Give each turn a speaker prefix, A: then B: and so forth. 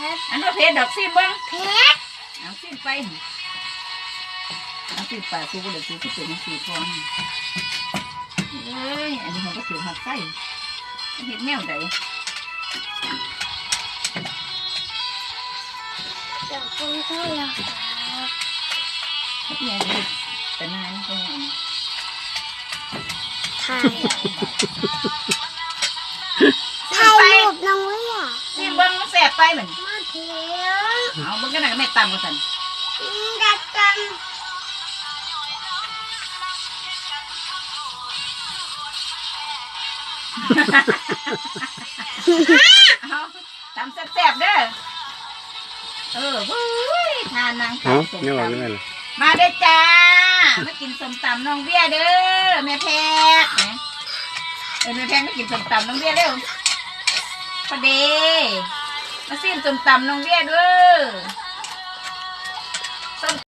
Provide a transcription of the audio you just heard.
A: อันว่าเพชรดอกซิมบ้าง
B: เพชร
A: เอาซิมไปเอาซิมป่าซูก็เลยซูก็เป็นสีทองเอ้ยอันนี้มันก็ถือหักไส้เห็ดแนวใด
B: เดี๋ยวคุณช่วยเรา
A: เห็ดแนวเห็ดแต่นานก็
B: ถ่ายรูปน้องเวีย
A: ซิมเบิ้งมันแสบไปเหมือน
B: มาเที่ยว
A: เอาเบิ้งกันหน่อยก็ไม่ตามกันสัน
B: ดักกัน
A: เอาตำแซ่บๆเด้อวุ้ยทานนางสาวส้มตำมาเด้อจ้ามากินส้มตำน้องเบี้ยเด้อแม่แพกนะแม่แพกมากินส้มตำน้องเบี้ยเร็วพอดีมาซิมส้มตำน้องเบี้ยเด้อ